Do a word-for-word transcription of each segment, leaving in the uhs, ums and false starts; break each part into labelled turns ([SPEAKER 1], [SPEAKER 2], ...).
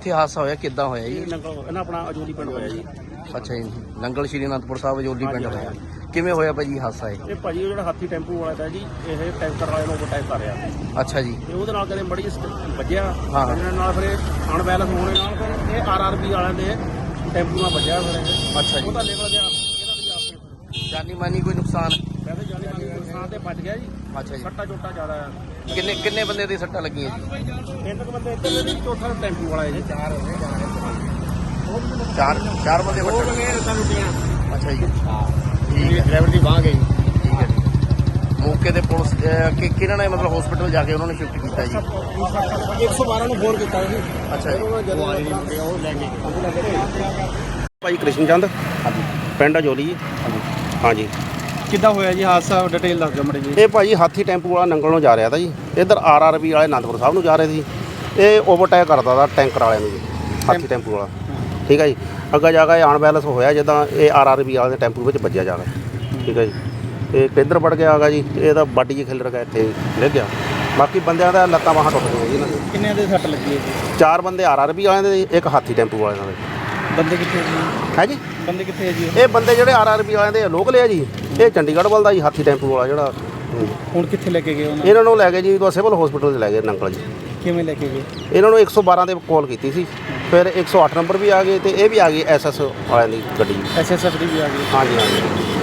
[SPEAKER 1] ਇੱਥੇ ਹਾਦਸਾ ਹੋਇਆ ਕਿੱਦਾਂ ਹੋਇਆ ਜੀ?
[SPEAKER 2] ਇਹਨਾਂ ਆਪਣਾ ਅਜੋਲੀ ਪਿੰਡ ਹੋਇਆ ਜੀ।
[SPEAKER 1] ਅੱਛਾ ਜੀ, ਨੰਗਲ ਸ਼੍ਰੀ ਅਨੰਦਪੁਰ ਸਾਹਿਬ ਅਜੋਲੀ ਪਿੰਡ ਹੋਇਆ। ਕਿਵੇਂ ਹੋਇਆ ਭਾਜੀ ਹਾਦਸਾ ਇਹ?
[SPEAKER 2] ਇਹ ਭਾਜੀ ਉਹ ਜਿਹੜਾ ਹਾਥੀ ਟੈਂਪੂ ਵਾਲਾ ਤਾਂ ਜੀ ਇਹ ਟੈਂਕਰ ਵਾਲੇ ਨੂੰ ਓਵਰਟੇਕ ਕਰ ਰਿਹਾ।
[SPEAKER 1] ਅੱਛਾ ਜੀ।
[SPEAKER 2] ਤੇ ਉਹਦੇ ਨਾਲ ਕਦੇ ਮੜੀ ਵੱਜਿਆ,
[SPEAKER 1] ਹਾਂ।
[SPEAKER 2] ਵੱਜਣ ਨਾਲ ਫਿਰ ਅਣਬੈਲੈਂਸ ਹੋਣੇ ਨਾਲ ਫਿਰ ਇਹ ਆਰ ਆਰ ਬੀ ਵਾਲਿਆਂ ਦੇ ਟੈਂਪੂ ਨਾਲ ਵੱਜਿਆ ਫਿਰ ਇਹ।
[SPEAKER 1] ਅੱਛਾ ਜੀ।
[SPEAKER 2] ਉਹ ਤਾਂ ਨਿਕਲ ਗਿਆ ਇਹਨਾਂ ਦੀ ਆਪੇ
[SPEAKER 1] ਜਾਨੀ ਮਾਨੀ ਕੋਈ ਨੁਕਸਾਨ?
[SPEAKER 2] ਵੈਸੇ ਜਾਨੀ ਮਾਨੀ ਨੁਕਸਾਨ ਤੇ ਬਚ ਗਿਆ ਜੀ।
[SPEAKER 1] ਅੱਛਾ ਜੀ।
[SPEAKER 2] ਸੱਟਾ ਚੋਟਾ ਜ਼ਿਆਦਾ ਆ।
[SPEAKER 1] ਕਿੰਨੇ ਕਿੰਨੇ ਬੰਦੇ ਦੀ ਸੱਟਾਂ ਲੱਗੀਆਂ ਜੀ?
[SPEAKER 2] ਤਿੰਨ ਕੁ ਬੰਦੇ ਇੱਧਰ ਦੇ ਚੌਥਾ ਟੈਂਪੂ ਵਾਲਾ ਜੀ। ਚਾਰ ਹੋਏ
[SPEAKER 1] ਚਾਰ ਚਾਰ ਬੰਦੇ
[SPEAKER 2] ਉਹ
[SPEAKER 1] ਵੱਟੇ।
[SPEAKER 2] ਬੰਦੇ ਰਤਾਂ ਲੁੱਟੀਆਂ।
[SPEAKER 1] ਅੱਛਾ ਜੀ।
[SPEAKER 2] ਠੀਕ ਹੈ, ਡਰਾਈਵਰ ਦੀ ਬਾਂਹ ਗਈ।
[SPEAKER 1] ਠੀਕ ਹੈ ਜੀ। ਮੌਕੇ ਤੇ ਪੁਲਿਸ ਅਹ, ਕਿ ਕਿਹਨਾਂ ਨੇ ਮਤਲਬ ਹਸਪੀਟਲ ਜਾ ਕੇ ਉਹਨਾਂ ਨੇ ਸ਼ਿਫਟ ਕੀਤਾ ਜੀ?
[SPEAKER 2] ਇੱਕ ਸੌ ਬਾਰਾਂ ਨੂੰ ਫੋਨ ਕੀਤਾ ਸੀ।
[SPEAKER 1] ਅੱਛਾ ਜੀ।
[SPEAKER 2] ਜਦੋਂ ਉਹ ਲੈ ਗਏ ਭਾਈ ਕ੍ਰਿਸ਼ਨ ਚੰਦ,
[SPEAKER 1] ਹਾਂਜੀ
[SPEAKER 2] ਪਿੰਡ ਅਜੋਲੀ ਜੀ।
[SPEAKER 1] ਹਾਂਜੀ।
[SPEAKER 2] ਹਾਂਜੀ।
[SPEAKER 3] ਕਿੱਦਾਂ ਹੋਇਆ ਜੀ ਹਾਦਸਾ, ਡਿਟੇਲ ਦੱਸ ਦਿਓ ਮੜੀ ਜੀ।
[SPEAKER 2] ਇਹ ਭਾਜੀ ਹਾਥੀ ਟੈਂਪੂ ਵਾਲਾ ਨੰਗਲ ਨੂੰ ਜਾ ਰਿਹਾ ਤਾ ਜੀ। ਇੱਧਰ ਆਰ ਆਰ ਬੀ ਵਾਲੇ ਅਨੰਦਪੁਰ ਸਾਹਿਬ ਨੂੰ ਜਾ ਰਹੇ ਸੀ। ਇਹ ਓਵਰਟੇਕ ਕਰਦਾ ਤਾ ਟੈਂਕਰ ਵਾਲਿਆਂ ਨੂੰ ਜੀ, ਹਾਥੀ ਟੈਂਪੂ ਵਾਲਾ। ਠੀਕ ਹੈ ਜੀ। ਅੱਗਾ ਜਾ ਕੇ ਅਨਬੈਲੈਂਸ ਹੋਇਆ ਜਿੱਦਾਂ ਇਹ ਆਰ ਆਰ ਬੀ ਵਾਲੇ ਦੇ ਟੈਂਪੂ ਵਿੱਚ ਵੱਜਿਆ ਜਾ ਕੇ। ਠੀਕ ਹੈ ਜੀ। ਇਹ ਕਿੱਧਰ ਵੜ ਗਿਆ ਹੈਗਾ ਜੀ, ਇਹਦਾ ਬਾਡੀ ਜੀ ਖਿਲਰ ਗਿਆ, ਇੱਥੇ ਡਿੱਗ ਗਿਆ। ਬਾਕੀ ਬੰਦਿਆਂ ਦਾ ਲੱਤਾਂ ਬਾਹਾਂ ਟੁੱਟ ਗਈਆਂ ਜੀ ਇਹਨਾਂ ਦੇ।
[SPEAKER 3] ਕਿੰਨੇ ਦੇ ਸੱਟ ਲੱਗੀ ਹੈ ਜੀ?
[SPEAKER 2] ਚਾਰ ਬੰਦੇ ਆਰ ਆਰ ਬੀ ਵਾਲਿਆਂ ਦੇ, ਇੱਕ ਹਾਥੀ ਟੈਂਪੂ ਵਾਲਿਆਂ ਦੇ।
[SPEAKER 3] ਬੰਦੇ ਕਿੱਥੇ ਜੀ?
[SPEAKER 2] ਹੈ ਜੀ।
[SPEAKER 3] ਬੰਦੇ ਕਿੱਥੇ ਹੈ ਜੀ?
[SPEAKER 2] ਇਹ ਬੰਦੇ ਜਿਹੜੇ ਆਰ ਆਰ ਬੀ ਵਾਲਿਆਂ ਦੇ ਲੋਕਲ ਆ ਜੀ। ਇਹ ਚੰਡੀਗੜ੍ਹ ਵੱਲ ਦਾ ਜੀ ਹਾਥੀ ਟੈਂਪੂ ਵਾਲਾ ਜਿਹੜਾ।
[SPEAKER 3] ਹੁਣ ਕਿੱਥੇ ਲੈ ਕੇ ਗਏ ਉਹਨਾਂ?
[SPEAKER 2] ਇਹਨਾਂ ਨੂੰ ਲੈ ਗਏ ਜੀ ਸਿਵਲ ਹਸਪੀਟਲ 'ਚ ਲੈ ਗਏ ਨੰਗਲ ਜੀ।
[SPEAKER 3] ਕਿਵੇਂ ਲੈ ਕੇ ਗਏ?
[SPEAKER 2] ਇਹਨਾਂ ਨੂੰ ਇੱਕ ਸੌ ਬਾਰਾਂ ਤੇ ਕਾਲ ਕੀਤੀ ਸੀ, ਫਿਰ ਇੱਕ ਸੌ ਅੱਠ ਨੰਬਰ ਵੀ ਆ ਗਏ ਤੇ ਇਹ ਵੀ ਆ ਗਈ ਐਸ ਐਸ ਵਾਲਿਆਂ ਦੀ ਗੱਡੀ।
[SPEAKER 3] ਐਸ ਐਸ ਐਫ ਦੀ ਵੀ ਆ ਗਈ?
[SPEAKER 2] ਹਾਂਜੀ ਹਾਂਜੀ।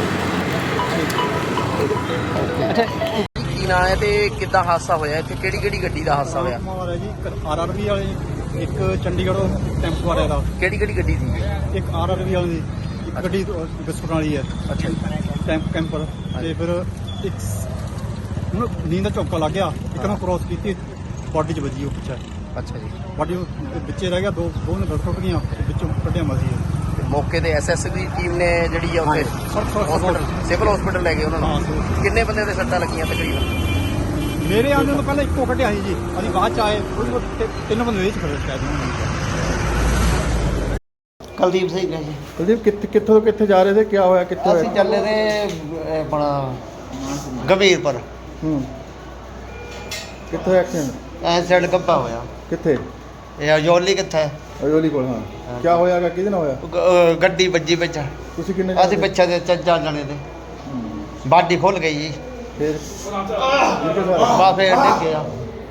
[SPEAKER 3] ਅੱਛਾ,
[SPEAKER 1] ਕੀ ਨਾਂ ਹੈ ਤੇ ਕਿੱਦਾਂ ਹਾਦਸਾ ਹੋਇਆ ਇੱਥੇ? ਕਿਹੜੀ ਕਿਹੜੀ ਗੱਡੀ ਦਾ ਹਾਦਸਾ ਹੋਇਆ?
[SPEAKER 3] ਹੈ ਜੀ ਆਰ ਆਰ ਬੀ ਵਾਲੇ, ਇੱਕ ਚੰਡੀਗੜ੍ਹੋਂ ਟੈਂਪੂ ਵਾਲੇ ਦਾ,
[SPEAKER 1] ਕਿਹੜੀ ਕਿਹੜੀ ਗੱਡੀ ਸੀ?
[SPEAKER 3] ਇੱਕ ਆਰ ਆਰ ਬੀ ਵਾਲੇ ਦੀ, ਇੱਕ ਗੱਡੀ ਬਿਸਕੁਟ ਵਾਲੀ ਹੈ।
[SPEAKER 1] ਅੱਛਾ ਜੀ।
[SPEAKER 3] ਟੈਂਪ ਕੈਂਪਰ ਤੇ ਫਿਰ ਇੱਕ ਉਹਨੂੰ ਨੀਂਦ ਦਾ ਝੋਂਕਾ ਲੱਗ ਗਿਆ, ਇੱਕ ਨੂੰ ਕ੍ਰੋਸ ਕੀਤੀ, ਬਾਡੀ 'ਚ ਵੱਜੀ ਉਹ ਪਿੱਛੇ।
[SPEAKER 1] ਅੱਛਾ ਜੀ।
[SPEAKER 3] ਬਾਡੀ ਵਿੱਚੇ ਰਹਿ ਗਿਆ, ਦੋ ਦੋ ਨੇ ਟੁੱਟ ਗਈਆਂ ਤੇ ਵਿੱਚੋਂ ਕੱਢਿਆ ਮਸੀ।
[SPEAKER 1] ਤੇ ਮੌਕੇ ਤੇ ਐਸ ਐਸ ਦੀ ਟੀਮ ਨੇ ਜਿਹੜੀ ਆ ਉੱਥੇ ਹਸਪੀਟਲ ਸਿਵਲ ਹਸਪੀਟਲ ਲੈ ਗਏ ਉਹਨਾਂ ਨੂੰ। ਕਿੰਨੇ ਬੰਦੇ ਦੇ ਸੱਟਾਂ ਲੱਗੀਆਂ ਤਕਰੀਬਨ?
[SPEAKER 3] ਮੇਰੇ ਆਉਣ ਤੋਂ ਪਹਿਲਾਂ ਇੱਕੋ ਕੱਢਿਆ ਸੀ ਜੀ, ਅਸੀਂ ਬਾਅਦ ਚ ਆਏ। ਉਹਦੇ ਕੋਲ ਤਿ- ਤਿੰਨ ਬੰਦੇ ਵਿੱਚ ਖੜੇ ਸ਼ਾਇਦ ਉਹਨਾਂ ਨੇ।
[SPEAKER 4] ਕੁਲਦੀਪ ਸਿੰਘ ਨੇ ਜੀ।
[SPEAKER 3] ਕੁਲਦੀਪ ਕਿੱਥੇ ਕਿੱਥੋਂ ਕਿੱਥੇ ਜਾ ਰਹੇ ਸੀ, ਕੀ ਹੋਇਆ, ਕਿੱਥੇ
[SPEAKER 4] ਅਸੀਂ ਚੱਲੇ ਤੇ ਆਪਣਾ ਗੰਭੀਰਪੁਰ
[SPEAKER 3] ਹੂੰ ਕਿੱਥੇ ਐਕਸੀਡੈਂਟ?
[SPEAKER 4] ਐ ਸਾਈਡ ਗੱਭਾ ਹੋਇਆ।
[SPEAKER 3] ਕਿੱਥੇ?
[SPEAKER 4] ਇਹ ਅਜੋਲੀ ਕਿੱਥੇ?
[SPEAKER 3] ਅਜੋਲੀ ਕੋਲ। ਹਾਂ ਕੀ ਹੋਇਆਗਾ, ਕਿਹਦੇ ਨਾਲ ਹੋਇਆ?
[SPEAKER 4] ਗ- ਅਹ ਗੱਡੀ ਵੱਜੀ ਵਿੱਚ।
[SPEAKER 3] ਤੁਸੀਂ ਕਿੰਨੇ
[SPEAKER 4] ਅਸੀਂ ਪਿੱਛੇ ਦੇ ਚੱਜਾ ਜਾਣੇ ਤੇ ਬਾਡੀ ਖੁੱਲ ਗਈ ਜੀ।
[SPEAKER 3] ਫਿਰ
[SPEAKER 4] ਬਾ ਫੇਰ ਡਿੱਗਿਆ।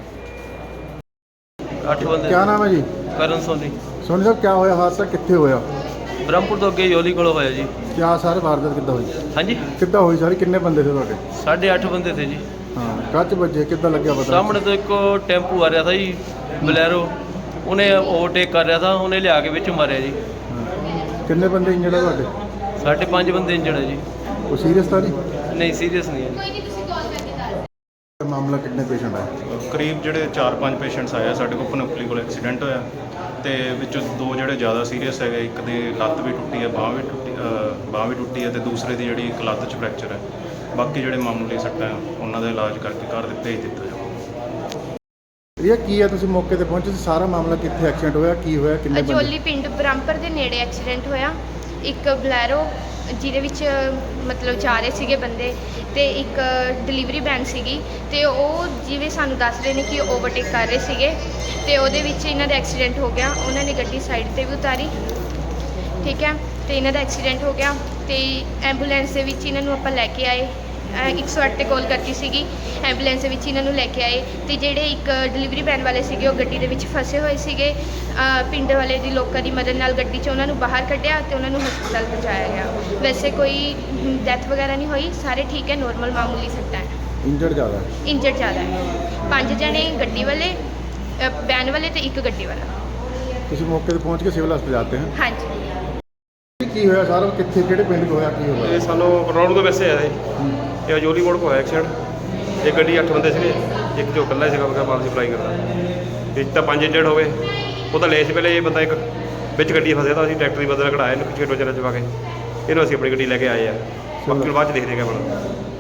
[SPEAKER 5] ਅੱਠ ਬੰਦੇ।
[SPEAKER 3] ਕੀ ਨਾਮ ਹੈ ਜੀ?
[SPEAKER 5] ਕਰਨ ਸੋਨੀ।
[SPEAKER 3] ਸੋਨੀ ਸਾਹਿਬ, ਕੀ ਹੋਇਆ ਹਾਦਸਾ, ਕਿੱਥੇ ਹੋਇਆ?
[SPEAKER 5] ਬ੍ਰਹਮਪੁਰ ਤੋਂ ਅੱਗੇ ਯੋਲੀ ਕੋਲ ਹੋਇਆ ਜੀ।
[SPEAKER 3] ਕੀ ਸਾਰੇ ਵਾਰਦਾਤ ਕਿੱਦਾਂ ਹੋਈ?
[SPEAKER 5] ਹਾਂਜੀ,
[SPEAKER 3] ਕਿੱਦਾਂ ਹੋਈ ਸਾਰੀ? ਕਿੰਨੇ ਬੰਦੇ ਸੀ ਤੁਹਾਡੇ?
[SPEAKER 5] ਸਾਢੇ ਅੱਠ ਬੰਦੇ ਥੇ ਜੀ।
[SPEAKER 3] ਹਾਂ ਕੱਚ ਵੱਜੇ, ਕਿੱਦਾਂ ਲੱਗਿਆ ਪਤਾ?
[SPEAKER 5] ਸਾਹਮਣੇ ਤੋਂ ਇੱਕ ਟੈਂਪੂ ਆ ਰਿਹਾ ਥਾ ਜੀ, ਬਲੈਰੋ। ਉਹਨੇ ਓਵਰਟੇਕ ਕਰ ਰਿਹਾ ਥਾ, ਉਹਨੇ ਲਿਆ ਕੇ ਵਿੱਚ ਮਾਰਿਆ ਜੀ।
[SPEAKER 3] ਹਾਂ। ਕਿੰਨੇ ਬੰਦੇ ਇੰਜਰਡ ਆ ਤੁਹਾਡੇ?
[SPEAKER 5] ਸਾਢੇ ਪੰਜ ਬੰਦੇ ਇੰਜਰਡ ਹੈ ਜੀ।
[SPEAKER 3] ਉਹ ਸੀਰੀਅਸ ਤਾਂ ਨਹੀਂ?
[SPEAKER 5] ਨਹੀਂ, ਸੀਰੀਅਸ ਨਹੀਂ ਹੈ ਜੀ।
[SPEAKER 3] ਮਾਮਲਾ ਕਿੰਨੇ ਪੇਸ਼ੈਂਟ ਆਏ?
[SPEAKER 6] ਕਰੀਬ ਜਿਹੜੇ ਚਾਰ ਪੰਜ ਪੇਸ਼ੈਂਟਸ ਆਏ ਆ ਸਾਡੇ ਕੋਲ। ਪਨੋਪਲੀ ਕੋਲ ਐਕਸੀਡੈਂਟ ਹੋਇਆ ਤੇ ਵਿੱਚੋਂ ਦੋ ਜਿਹੜੇ ਜ਼ਿਆਦਾ ਸੀਰੀਅਸ ਹੈਗੇ, ਇੱਕ ਦੀ ਲੱਤ ਵੀ ਟੁੱਟੀ ਹੈ, ਬਾਂਹ ਵੀ ਟੁੱਟੀ ਅ, ਬਾਂਹ ਵੀ ਟੁੱਟੀ ਹੈ ਤੇ ਦੂਸਰੇ ਦੀ ਜਿਹੜੀ ਇੱਕ ਲੱਤ 'ਚ ਫ੍ਰੈਕਚਰ ਹੈ। ਬਾਕੀ ਜਿਹੜੇ ਮਾਮੂਲੀ ਸੱਟਾਂ ਹੈ ਉਹਨਾਂ ਦਾ ਇਲਾਜ ਕਰਕੇ ਘਰ ਦੇ ਭੇਜ ਦਿੱਤਾ ਜਾਊਗਾ।
[SPEAKER 3] ਇਹ ਕੀ ਹੈ, ਤੁਸੀਂ ਮੌਕੇ ਤੇ ਪਹੁੰਚੇ ਸੀ, ਸਾਰਾ ਮਾਮਲਾ ਕਿੱਥੇ ਐਕਸੀਡੈਂਟ ਹੋਇਆ, ਕੀ ਹੋਇਆ, ਕਿੰਨੇ ਬੰਦੇ?
[SPEAKER 7] ਅਜੋਲੀ ਪਿੰਡ ਬ੍ਰਹਮਪੁਰ ਦੇ ਨੇੜੇ ਐਕਸੀਡੈਂਟ ਹੋਇਆ। ਇੱਕ ਬਲੈਰੋ ਜਿਹਦੇ ਵਿੱਚ ਮਤਲਬ ਜਾ ਰਹੇ ਸੀਗੇ ਬੰਦੇ ਤੇ ਇੱਕ ਡਿਲੀਵਰੀ ਵੈਨ ਸੀਗੀ ਤੇ ਉਹ ਜਿਵੇਂ ਸਾਨੂੰ ਦੱਸ ਰਹੇ ਨੇ ਕਿ ਓਵਰਟੇਕ ਕਰ ਰਹੇ ਸੀਗੇ ਤੇ ਉਹਦੇ ਵਿੱਚ ਇਹਨਾਂ ਦਾ ਐਕਸੀਡੈਂਟ ਹੋ ਗਿਆ। ਉਹਨਾਂ ਨੇ ਗੱਡੀ ਸਾਈਡ ਤੇ ਵੀ ਉਤਾਰੀ, ਠੀਕ ਹੈ, ਤੇ ਇਹਨਾਂ ਦਾ ਐਕਸੀਡੈਂਟ ਹੋ ਗਿਆ ਤੇ ਐਂਬੂਲੈਂਸ ਦੇ ਵਿੱਚ ਇਹਨਾਂ ਨੂੰ ਆਪਾਂ ਲੈ ਕੇ ਆਏ। ਇੱਕ ਸੌ ਅੱਠ 'ਤੇ ਕਾਲ ਕਰਤੀ ਸੀਗੀ, ਐਂਬੂਲੈਂਸ ਦੇ ਵਿੱਚ ਇਹਨਾਂ ਨੂੰ ਲੈ ਕੇ ਆਏ ਤੇ ਜਿਹੜੇ ਇੱਕ ਡਿਲੀਵਰੀ ਵੈਨ ਵਾਲੇ ਸੀਗੇ ਉਹ ਗੱਡੀ ਦੇ ਵਿੱਚ ਫਸੇ ਹੋਏ ਸੀਗੇ। ਪਿੰਡ ਵਾਲੇ ਦੀ ਲੋਕਾਂ ਦੀ ਮਦਦ ਨਾਲ ਗੱਡੀ 'ਚ ਉਹਨਾਂ ਨੂੰ ਬਾਹਰ ਕੱਢਿਆ ਤੇ ਉਹਨਾਂ ਨੂੰ ਹਸਪਤਾਲ ਪਹੁੰਚਾਇਆ ਗਿਆ। ਵੈਸੇ ਕੋਈ ਡੈਥ ਵਗੈਰਾ ਨਹੀਂ ਹੋਈ, ਸਾਰੇ ਠੀਕ ਹੈ, ਨੋਰਮਲ ਮਾਮੂਲੀ ਸੱਟਾਂ ਹੈ।
[SPEAKER 3] ਇੰਜਰਡ ਜ਼ਿਆਦਾ?
[SPEAKER 7] ਇੰਜਰਡ ਜ਼ਿਆਦਾ ਹੈ। ਪੰਜ ਜਣੇ ਗੱਡੀ ਵਾਲੇ, ਵੈਨ ਵਾਲੇ ਤੇ ਇੱਕ ਗੱਡੀ ਵਾਲਾ।
[SPEAKER 3] ਤੁਸੀਂ ਮੌਕੇ ਤੇ ਪਹੁੰਚ ਕੇ ਸਿਵਲ ਹਸਪਤਾਲ ਜਾਤੇ हैं?
[SPEAKER 7] ਹਾਂਜੀ।
[SPEAKER 3] ਕੀ ਹੋਇਆ ਸਾਰਾ, ਕਿੱਥੇ ਕਿਹੜੇ ਪਿੰਡ 'ਚ ਹੋਇਆ, ਕੀ ਹੋਇਆ?
[SPEAKER 8] ਇਹ ਸਾਨੂੰ ਰੋਡ ਤੋਂ ਵੈਸੇ ਆਇਆ ਜੀ। ਇਹ ਅਜੋਲੀ ਮੋੜ ਕੋ ਹੋਇਆ ਐਕਸੀਡੈਂਟ। ਇੱਕ ਗੱਡੀ ਅੱਠ ਬੰਦੇ ਸੀਗੇ, ਇੱਕ ਜੋ ਇਕੱਲਾ ਸੀਗਾ ਉਹਦਾ ਮਾਲ ਸਪਲਾਈ ਕਰਦਾ। ਵਿੱਚ ਤਾਂ ਪੰਜ ਇੰਜਰਡ ਹੋ ਗਏ। ਉਹ ਤਾਂ ਲੈ ਸੀ ਪਹਿਲੇ, ਇਹ ਬੰਦਾ ਇੱਕ ਵਿੱਚ ਗੱਡੀ ਫਸਿਆ ਤਾਂ ਅਸੀਂ ਟਰੈਕਟਰ ਦੀ ਬਦਲ ਕਢਾਇਆ ਇਹਨੂੰ ਪਿੱਛੇ ਟੋਚਰ ਚਵਾ ਕੇ ਇਹਨੂੰ ਅਸੀਂ ਆਪਣੀ ਗੱਡੀ ਲੈ ਕੇ ਆਏ ਆ। ਬਾਕੀ ਬਾਅਦ 'ਚ ਦੇਖਦੇ ਕਿਆ ਬਣਦਾ।